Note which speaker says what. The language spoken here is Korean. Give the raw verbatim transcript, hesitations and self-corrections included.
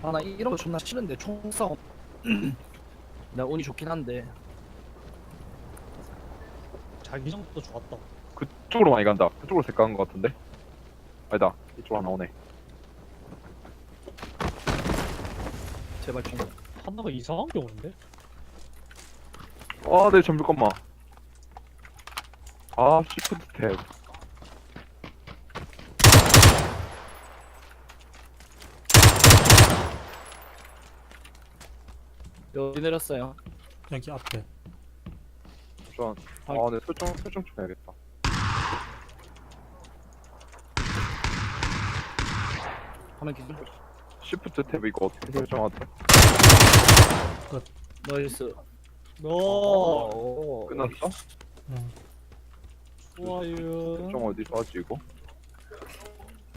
Speaker 1: 아 나 이런 거 존나 싫은데 총싸움. 나 운이 좋긴 한데.
Speaker 2: 자기장도 좋았다.
Speaker 3: 그쪽으로 많이 간다. 그쪽으로 색깔한 것 같은데? 아니다. 이쪽으로 하나 오네.
Speaker 1: 제발 총.
Speaker 2: 하나가 이상한 게 오는데?
Speaker 3: 아, 네, 잠깐만. 아, 시프트 탭.
Speaker 1: 여기 내렸어요.
Speaker 4: 여기 앞에.
Speaker 3: 잠시만. 아, 네, 설정, 설정 좀 해야겠다.
Speaker 1: 화면 기준.
Speaker 3: 시프트 탭 이거 어떻게 설정하지?
Speaker 1: 나이스.
Speaker 2: 오,
Speaker 1: 오.
Speaker 3: 끝났어?
Speaker 4: 응.
Speaker 2: 좋아요.
Speaker 3: 설정 어디서 하지, 이거?